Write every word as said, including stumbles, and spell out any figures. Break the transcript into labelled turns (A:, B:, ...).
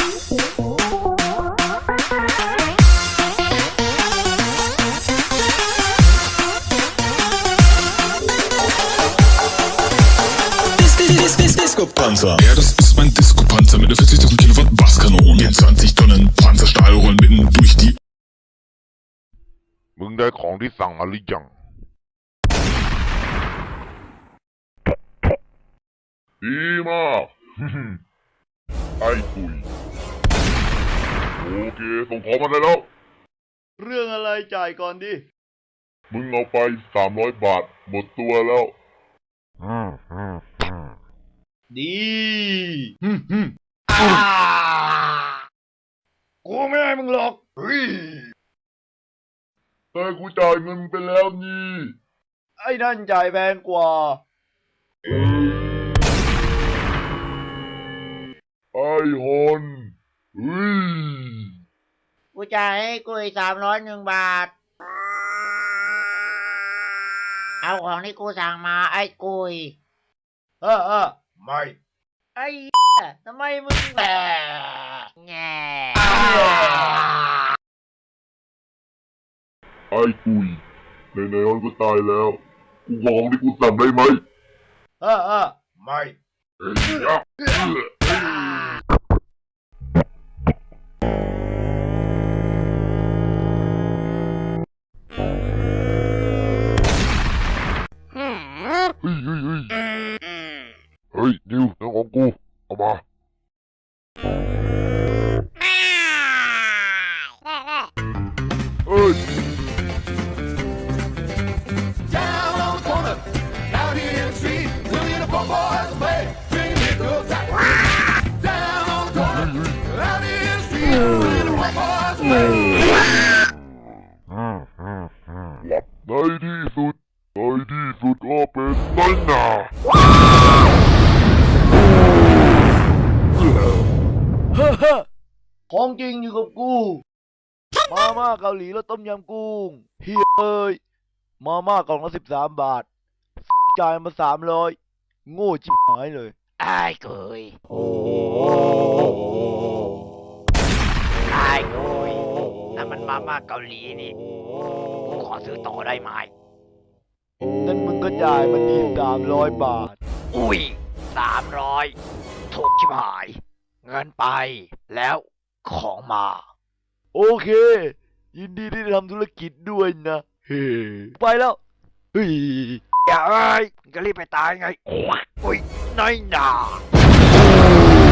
A: Disco-Panzer. Ja, das ist mein Disco-Panzer mit der vierzigtausend Kilowatt Basskanone. Den zwanzig Tonnen Panzerstahl rollen mitten durch die...
B: มึงได้ของที่สั่งมาหรือยังดีมาก ไอ้กุยโอเคส่งของมาได้แล้ว
C: เรื่องอะไรจ่ายก่อนดิ
B: มึงเอาไปสามร้อยบาทหมดตัวแล้ว
C: ดีฮึมฮึมอ่ากูไม่ให้มึงหรอกเฮ้ย
B: แต่กูจ่ายเงินไปแล้วนี่
C: ไอ้นั่นจ่ายแพงกว่า
B: ไอ้ฮอนเฮ้ย
D: กูจ่ายให้กูอีกสามร้อยหนึ่งบาทเอาของที่กูสั่งมาไอ้กุย
C: เออเออไม่
D: ไอ้ทำไมมึงแหละแง่
B: ไอ้กุยในๆมันก็ตายแล้วกูขอของที่กูสั่งได้ไหม
C: เออเออไม่
B: เฮ้ยยักษ์เฮ้ยเฮ้ยเฮ้ยเฮ้ยดิวเรื่องของกูเอามาเฮ้ยในที่สุดในที่สุดก็เป็นนั่นน่ะ
C: ของจริงอยู่กับกูมาม่าเกาหลีแล้วต้มยำกุ้งเฮ้ยเอ้ยมาม่ากล่องละสิบสามบาทจ่ายมาสามร้อยโง่ชิบหายเลย
D: ไอ้กุยโอ้ไอ้กุยนั่นมันมาม่าเกาหลีนี่กูขอซื้อต่อได้ไหม
C: นั่นมึงก็จ่ายมันดีสามร้อยบาท
D: อุ้ยสามร้อยถูกชิบหายเงินไปแล้วของมา
C: โอเคยินดีที่ได้ทำธุรกิจด้วยนะเฮ้ไปแล้วเฮ้ย
D: อย่าเอ้ยก็รีบไปตายไงอุ้ยน้อยหนา